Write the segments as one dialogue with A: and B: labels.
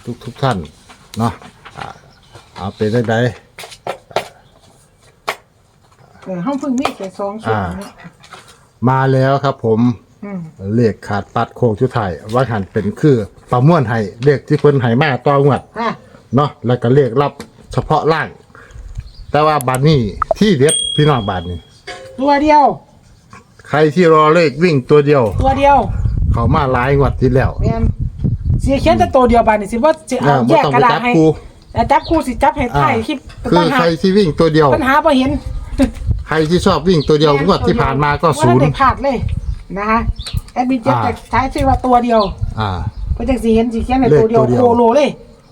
A: ทุกท่านเนาะเอาเป็นได้
B: ห้องพึ่งมีแค่2ชุดนะ
A: มาแล้วครับผมเลขขาดปัดโค้งชุดไทยว่าหันเป็นคือประมวลให้เลขที่เพิ่นให้มาต่องวดเนาะแล้วก็เลขรับเฉพาะล่าง แต่ว่าบาดนี้ที่เด็ดพี่น้องบาดนี้
B: ตัวเดียว
A: ใครที่รอเลขวิ่งตัวเดียว เขามาหลายงวดที่แล้ว
B: แม่นสิเขียนแต่ตัวเดียวบาดนี้สิว่าสิเอาแยกกระดาษให้แต่จับคู่สิจับให้ท้ายคลิป
A: คือใครที่วิ่งตัวเดียว
B: ปัญหาบ่เห็น
A: ใครที่ชอบวิ่งตัวเดียวงวดที่ผ่านมาก็ศูนย์
B: ได้พลาดเลยนะคะแอดมินเจ็บแต่ใช้ชื่อว่าตัวเดียวเพิ่นจังสิเห็นสิเขียนให้ตัวเดียวโคโลเลย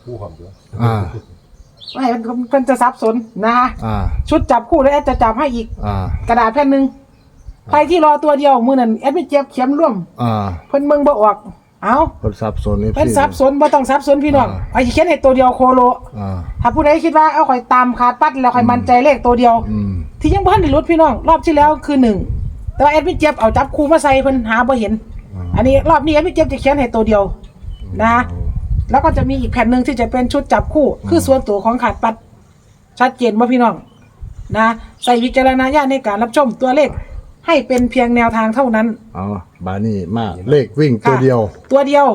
B: ไม่มันจะซับสนนะคะชุดจับคู่แล้วแอดจะจับให้อีกกระดาษแผ่นนึงใครที่รอตัวเดียวมื้อนั้นแอดมินเจ็บเขียนร่วมเพิ่นเบิ่งบ่ออกเอ้า
A: เพิ่นซับสน
B: เพิ่นซับสนบ่ต้องซับสนพี่น้องไอ้เขียนให้ตัวเดียวโคโลถ้าผู้ใดคิดว่าเอาข่อยตามขาดปัดแล้วข่อยมั่นใจเลขตัวเดียวที่ยังบ่ทันได้รุดพี่น้องรอบที่แล้วคือ1แต่ว่าแอดมินเจ็บเอาจับคู่มาใส่เพิ่นหาบ่เห็นอันนี้รอบนี้แอดมินเจ็บจะเขียนให้ตัวเดียวนะแล้วก็จะมีอีกแผ่นนึงที่จะเป็นชุดจับคู่คือส่วนตัวของขาดปัดชัดเจนบ่พี่น้องนะใส่วิจารณญาณในการรับชมตัวเลขให้เป็นเพียงแนวทางเท่านั้น
A: บานี่มาเลขวิ่งตัวเดียวเม็ดเดียว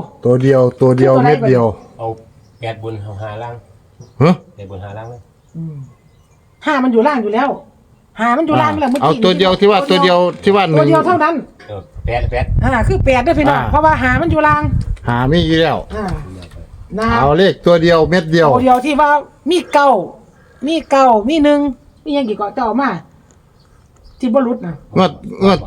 C: เอา8บนเอา5ล่าง8บน5ล่างเลย
B: 5มันอยู่ล่างอยู่แล้ว5มันอยู่ล่างแล้วเมื่อกี้
A: เอาตัวเดียวที่ว่าตัวเดียวที่ว่า1
B: ตัวเดียวเท่านั้น
C: 8
B: คือ8ด้วยพี่น้องเพราะว่า5มันอยู่ล่าง
A: มีอยู่แล้ว
B: นะ
A: เอาเลขตัวเดียวเม็ดเดียว
B: ตัวเดียวที่ว่ามีเก้ามี1มียังกี่เกาะเจ้ามาที่บ่รุดน่ะ
A: งวด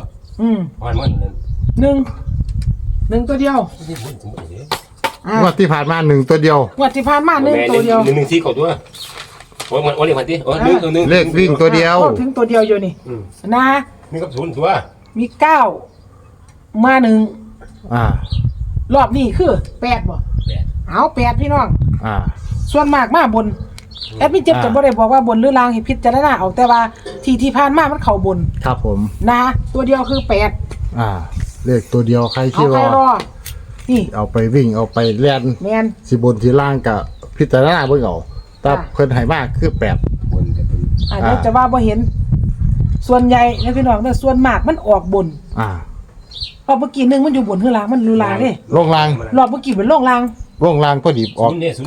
B: 1ตัวเดียว
A: งวดที่ผ่านมา1ตัวเดียว
B: งวดที่ผ่านมา1ตัวเดียว
C: 1ที่เข้าตัวโอ้ยมันเลขมันติ1
A: เลขวิ่งตัวเดียว
B: ถึงตัวเดียวอยู่นี่นะ
C: มีกับ0ตัว
B: มี9มา1รอบนี้คือ8บ่เอา8พี่น้องส่วนมากมาบนแอดมินเจ็บจะบ่ได้บอกว่าบนหรือล่างให้พิจารณาเอาแต่ว่าที่ผ่านมามันเข้าบน
A: ครับผม
B: นะตัวเดียวคือ8
A: เลขตัวเดียวใครที่รอนี่เอาไปวิ่งเอาไปเล่น
B: แม่น
A: สิบนที่ล่างกับพิจารณาเบิ่งเอาแต่เพิ่นให้มากคือ8
C: บนกับ
B: เดี๋ยวจะว่าบ่เห็นส่วนใหญ่นะพี่น้องเนี่ยส่วนมากมันออกบนเพราะเมื่อกี้นึงมันอยู่บนคือล่างมันรูล่างเด้
A: ลงล่าง
B: รอบเมื่อกี้เป็นลงล่าง
A: พอดีออก91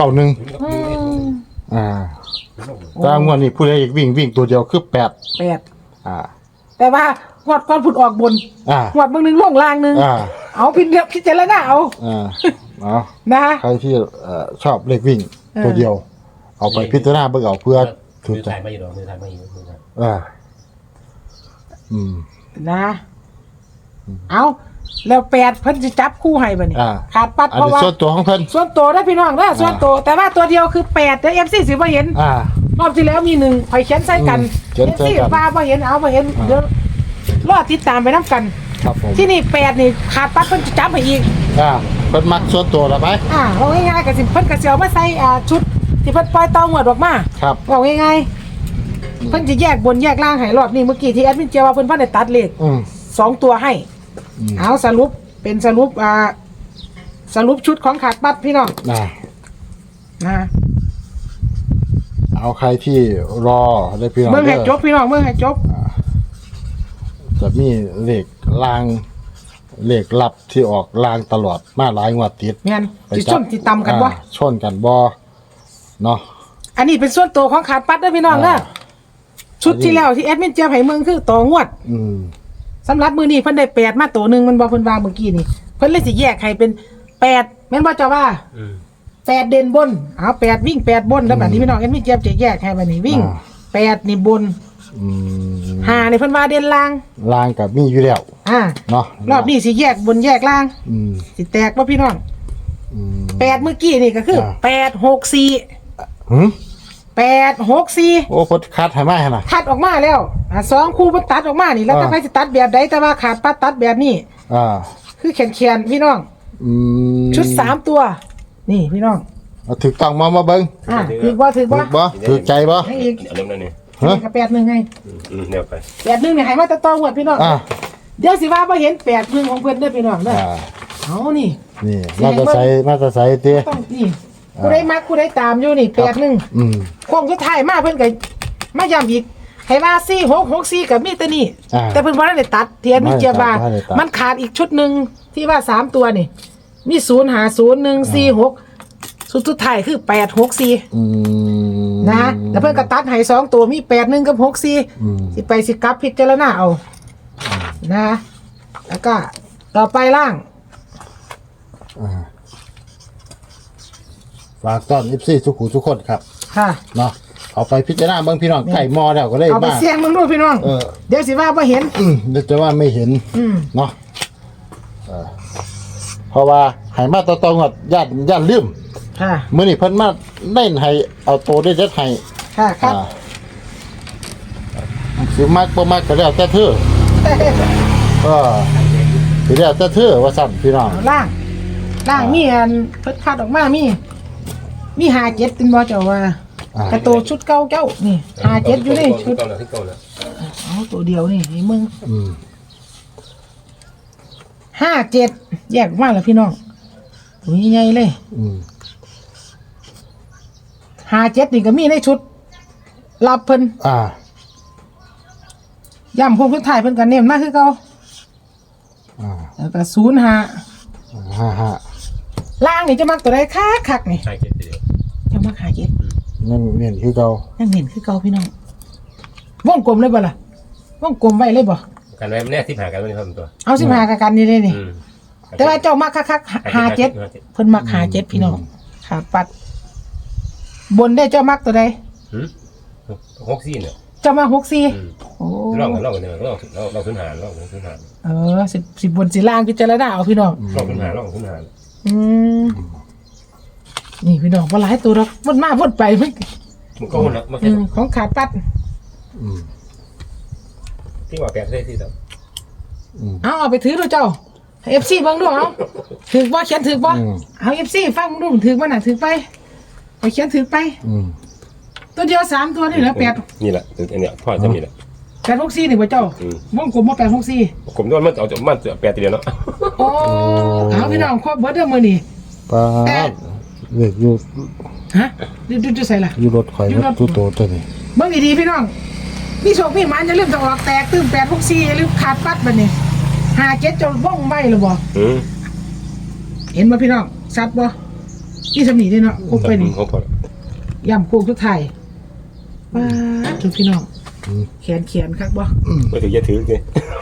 A: แต่งวดนี้ผู้ใดอยากวิ่งตัวเดียวคือ8
B: แต่ว่างวดก่อนพุ่นออกบนงวดเบิ่งนึงลงล่างนึงเอาพิจารณาเอานะ
A: ใครที่ชอบเลขวิ่งตัวเดียวเอาไปพิจารณาเบิ่งเอาเพื่อ
C: ถือใจไม่อยู่ดอกมือถ่ายไม่อยู่
B: นะเอาแล้ว8เพิ่นสิจับคู่ให้บัดนี้ขาดปัดเพราะว่า
A: ส่วนตัวของเพิ่น
B: ส่วนตัวได้พี่น้องนะส่วนตัวแต่ว่าตัวเดียวคือ8เด้อ FC สิบ่เห็นรอบที่แล้วมี1ข่อยเขียนใส่กัน FC ฟ้าบ่เห็นเอาบ่เห็นเดี๋ยวรอติดตามไปนำกัน
A: ครับผม
B: ที่นี่8นี่ขาดปัดเพิ่นจะจับให้อีก
A: เพิ่นมักส่วนตัวแล้วไป
B: เอาง่ายๆก็สิเพิ่นก็สิเอามาใส่ชุดที่เพิ่นปล่อยเตาหวดออกมา
A: ครับ
B: เอาง่ายๆเพิ่นจะแยกบนแยกล่างให้รอบนี้เมื่อกี้ที่แอดมินเจว่าเพิ่นได้ตัดเลข2ตัวให้เอาสรุปเป็นสรุปชุดของขาดปัดพี่น้อง
A: เอาใครที่รอได้พี่น้อง
B: เมื่อให้จบพี่น้องเมื่อให้จบ
A: จะมีเลขลางเลขลับที่ออกลางตลอดมาหลายงวดติด
B: งั้นสิชนสิตำกันบ่
A: ชนกันบ่เนาะ
B: อันนี้เป็นส่วนตัวของขาดปัดนะพี่น้องนะชุดที่แล้วที่แอดมินเจให้เมืองคือต่องวดสำหรับมือนี้เพิ่นได้8มาตัวนึงมันบ่เพิ่นว่าเมื่อกี้นี่เพิ่นเลยสิแยกให้เป็น8แม่นบ่เจ้าว่า8เด่นบนเอา8วิ่ง8บนแล้วบัดนี้พี่น้องแอดมินเจจะแยกให้บัดนี้วิ่ง8นี่บน5นี่เพิ่นว่าเด่นล่าง
A: กับมีอยู่แล้วเนาะ
B: รอบนี้สิแยกบนแยกล่างสิแตกบ่พี่น้อง8เมื่อกี้นี่ก็คือ864
A: โอ้พดคัดให้มาให้น่ะ
B: คัดออกมาแล้ว2คู่เพิ่นตัดออกมานี่แล้วถ้าใครสิตัดแบบใดแต่ว่าขาดปัดตัดแบบนี้คือแขนพี่น้องชุด3ตัวนี่พี่น้อง
A: ถูกต้องมาเบิ่ง
B: ถูกบ่
A: ถูกใจบ่
B: ให้อีก
C: อันนั้นนี่
B: กับ8-1ไง
C: แนวไป
B: 8-1นี่ให้มาแต่ต้องหมดพี่น้องเดี๋ยวสิว่าบ่เห็น8-1ของเพิ่นเด้อพี่น้องเด้อเอานี่
A: มาจะใส่ติ
B: ต้องนี่กูได้มักกูได้ตามอยู่นี่81
A: อืม
B: โค้งสุดท้ายมาเพิ่นก็มาย้ำอีกให้ว่า4664กับมีแต่นี่
A: อ่า
B: แต่เพิ่นบ่ได้ตัดเทียนมีเจียบา
A: บ่ได้ตัด
B: มันขาดอีกชุดหนึงที่ว่า3ตัวนี่มี050146สุดท้ายคือ864
A: อืม
B: นะแล้วเพิ่นก็ตัดให้2ตัวมี81กับ64สิไปสิกลับพิจารณาเอานะแล้วก็ต่อไปล่าง
A: อ่าฝากต้อน FC ทุกคนทุกคนครับ
B: ค่ะ
A: เนาะเอาไปพิจารณาเบิ่งพี่น้องไก่มอแล้วก็ได้
B: เอาไป
A: มา
B: เสี่ยงมึงดูพี่น้อง เดี๋ยวสิว่าบ่เห็น
A: เดี๋ยวจะว่าไม่เห็น เนาะเพราะว่าให้มาตองๆย่านลืม
B: ค่ะ
A: มื้อนี้เพิ่นมาเน้นให้เอาโตได้เด็ดให้
B: ค่ะครับ
A: สิมักบ่มักก็แล้วแต่เธอสิแล้วแต่เธอว่าซั่นพี่น้อง
B: เอาล่างมีอันเพิ่นคัดออกมามี57ตินบ่เจ้าว่า กระโตชุดเก่าเจ้านี่57อยู่นี่ชุด
C: เก่าแล้วที่เก่าแล้ว
B: เอาตัวเดียวนี่ให้มึง
A: อืม
B: 57แยกออกมาแล้วพี่น้องตัวนี้ใหญ่เลย
A: อืม
B: 57นี่ก็มีในชุดรับเพิ่น
A: อ่า
B: ย่ำพวกสุดท้ายเพิ่นก็เน้นมาคือเก่า
A: อ่า
B: แล้วก็05
A: 55
B: ล่างนี่จะมักตัวใดคักๆนี่
C: ใช่เก็บเดียว
B: จะมัก57
A: นั่นเนียนคือเก่า
B: ยังเห็นคือเก่าพี่น้องวงกลมเลยบ่ล่ะวงกลมไว้เลยบ่
C: กันไว้แน่ที่หากันไม่ได้ทำตัว
B: เอา15กับกันนี่เลยนี่ แต่ว่าเจ้ามักคักๆ57เพิ่นมัก57พี่น้องขาปัด บนได้เจ้ามักตัวใด
C: 64เนี่ย
B: เจ้ามัก64โอ้
C: ลองกันเนี่ยลองสุนหารลองสุนหาร
B: สิบนสิล่างพิจารณาเอาพี่น้อง
C: ลองสุนหารลองสุนหาร
B: อืมนี่พี่น้องบ่หลายตัวดอกมันมาวนไปมัน
C: มันก็คนละมาแค่
B: ของขาดปัด
A: อืม
C: ที่ว่าแปดได้ที่ต่อ
B: เอาไปถือดูเจ้า FC เบิ่งดูเอาถือบ่เขียนถือบ่เอา FC ฟังดูถือบ่น่ะถือไปไปเขียนถือไป
A: อืม
B: ตัวเดียว3ตัวนี่แหละ8
C: นี่แหละอันเนี้ยพ่อจะมีแหละ
B: 864นี่บ่เจ้าวงกลมบ่864
C: ผมด้วยมันเอาจากมันแปดเดียวเนาะ
B: โอ้เอาพี่น้องครบเบิดเด้อมื้อนี้
A: ปาดเด็กอยู่
B: ฮะดูใส่ล่ะ
A: อยู่รถข่อยรถตู้โตตัวนี้
B: เบิ่งดีๆพี่น้องมีโชคมีหมันอย่าลืมต้องออกแตกตื้ม864อย่าลืมขาดปัดบัดนี้57จนว่องไว้หรือบ่เห็นบ่พี่น้องชัดบ่อีสำนีเด้เนาะครบไปนี่
C: เขาพอ
B: ย่ำโค้งทุกไทายป๊าดทุกพี่น้องเขียนคักบ่
C: ไม่ถือจะถือเลย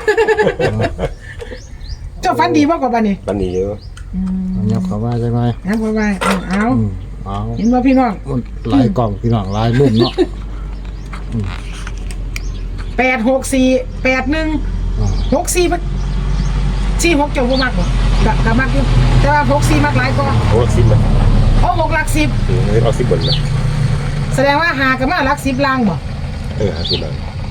B: เจ้าฟันดีบ่กว่าบัดนี้
C: ปันนี้เยอะ
A: เงียบเข้ามาใช่ไหม
B: นะบ่ว่าเอา
A: เอา
B: เห็นบ่พี่น้อง
A: มันหลายกล่องพี่น้องหลายมุมเนาะ
B: 864 81 64มัน46เจ้าบ่มักบ่ก็มักอยู่แต่ว่า64มักหลายกว่า
C: โอ้10มัน
B: โอ้6หลัก10
C: เอา10บนนะ
B: แสดงว่าหาก็มาหลัก10ล่างบ่
C: 50มัน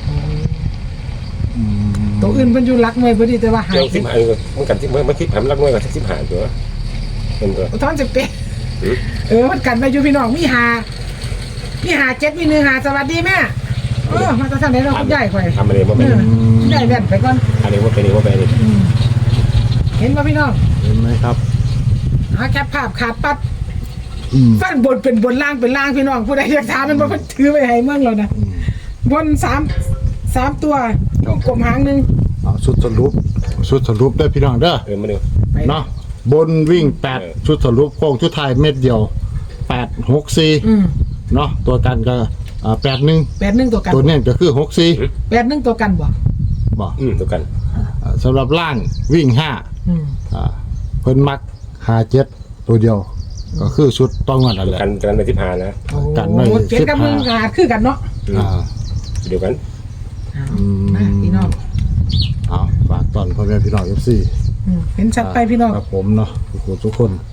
B: ตัวอื่นเพิ่นอยู่หลักหน่วยบ่ดีแต่ว่าหา
C: เจ้า10หามันกันที่มันคิดผมรักน้อยกว่า10หาตัวเป็นตัว
B: ท้องจะเป็นมันกันไปอยู่พี่น้องมีหา7มี1หาสวัสดีแม่มาตะทางไหนเราคุณยายข่อย
C: ทำอะไรมาเป็น
B: ยายแว่นไปก่อน
C: อะไรว่าเป็นว่าเป็น
B: เห็นป่ะพี่น้อง
A: เห็นไหมครับ
B: แคปภาพขาดปัดฟันบนเป็นบนล่างเป็นล่างพี่น้องผู้ใดอยากถามมันบ่เพิ่นถือไปให้เมืองเรานะบน3ตัวกลมหางนึง
A: เอาชุดสรุปได้พี่น้องเด้อ
C: มาดู
A: เนาะบนวิ่ง8ชุดสรุปโค้งชุดไทายเม็ดเดียว864เนาะตัวกันก็81
B: ตัวกัน
A: ตัวเนี้ก็คือ64
B: 81ตัวกันบ่
A: บ่
C: ตัวกัน
A: สำหรับล่างวิ่ง5เพิ่นมัก57ตัวเดียว ก็คือชุดต้องเงินนั่นแหละ
C: กันไป10หานะ
A: กันไว้
B: เจ็ดกับมึงขาดคือกันเนาะ
C: เดียวกัน
B: นะพี่น้อง
A: เอาฝากตอนพ่อแม่พี่น้อง FC
B: เห็นชัดไปพี่น้อง
A: ครับผมเนาะทุกคน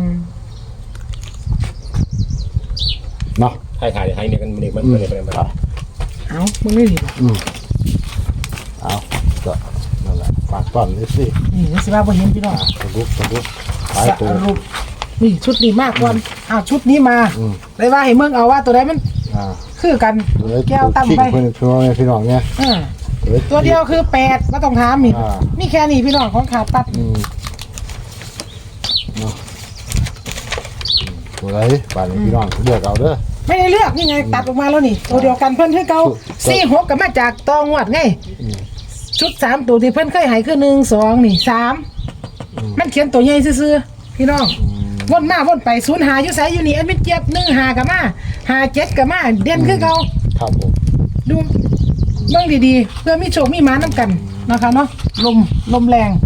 A: เนาะ
C: ถ่ายเนี่ยกันมันเลยไปมา
B: เอามึงไม่ดีบ่
A: เอาก็นั่นแหละฝากตอน FC
B: นี่สิว่าบ่เห็นพี่น้อง
A: สรุปหลายตัว
B: สรุปนี่ชุดนี้มากกว่าชุดนี้มาเลยว่าให้เมืองเอาว่าตัวใดมันคือกันแก้วตั้มไป
A: เพิ่นช่วยพี่น้องเนี่ย
B: ตัวเดียวคือ8ก็ต้องถามนี่มีแค่นี้พี่น้องของขาดปัด
A: เนาะตัวไหนบ้านนี้พี่น้องเลือกเอาเด้อ
B: ไม่ได้เลือกนี่ไงตัดออกมาแล้วนี่ตัวเดียวกันเพิ่นคือเก่า46ก็มาจากตองวดไงชุด3ตัวที่เพิ่นเคยให้คือ1 2นี่3มันเขียนตัวใหญ่ซื่อๆพี่น้องวนมาวนไป0 5อยู่ไสอยู่นี่แอดมินเจี๊ยบ1 5ก็มา5 7ก็มาเด่นคือเก่า
A: ครับผม
B: ดูเบิ่งดีๆเพื่อมีโชคมีหมานํกันนะคะเนาะลมแรง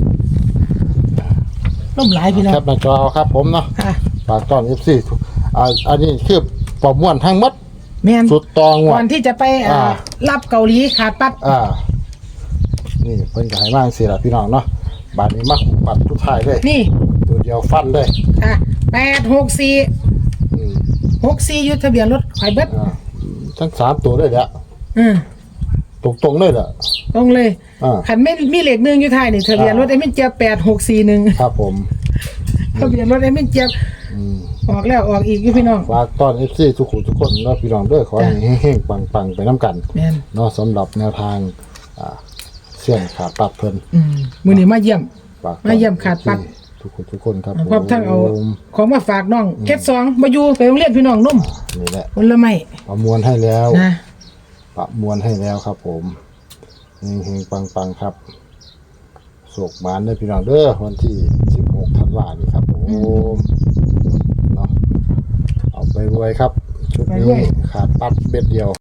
B: ลมหลายพี่น้อง
A: แคปหน้าจอเอาครับผมเนาะ
B: ค่ะ
A: ฝากต้อน FC อันนี้คือประมวลทั้งหมด
B: แม่น
A: สุดตอง
B: ก่
A: ว่ะ
B: อนที่จะไปรับเกาหลีขาดปัด
A: นี่เพิ่นก็ให้มาจังซี่ล่ะพี่น้องเนาะบาดนี้มาปัดทุกท้ายเลย
B: นี่
A: ตัวเดียวฟันเลย
B: ค่ะ864
A: อืม
B: 64อยู่ทะเบียนรถข่อยเบิด
A: ทั้ง3ตัวเลยแหละ
B: อืม
A: ตรงๆเลยแหละ
B: ตรงเลย
A: อ่า
B: คันไม่มีเลข1อยู่ท้ายนี่ทะเบียนรถไอ้มินเจี๊ยบ8641
A: ครับผม
B: ทะเบียนรถไอ้มินเจี๊ยบ
A: อืม
B: ออกแล้วออกอีกอยู่พี่น้อง
A: ฝากต้อน FC ทุกคนเนาะพี่น้องเด้อขอให้เฮงๆปังๆไปนํกัน
B: แม่น
A: เนาะสำหรับแนวทางเสี่ยงขาดปัดเพิ่น
B: มื้อนี้มาเยี่ยม
A: ฝาก
B: มาเยี่ยมขาดปัด
A: ทุกคนครับ
B: พร้อมทั้งเอา
A: ผม
B: ของมาฝากน้องเก็ต2มาอยู่ไปโรงเรียนพี่น้องนุ่ม
A: นี่แหละ
B: ผลไม้
A: ประมวลให้แล้ว
B: นะ
A: ประมวลให้แล้วครับผมเฮงๆปังๆครับโศกหมานเด้อพี่น้องเด้อวันที่16ธันวาคมนี้ครับผมเนาะเอาไปรวยครับชุดนี้ขาดปัดเบ็ดเดียว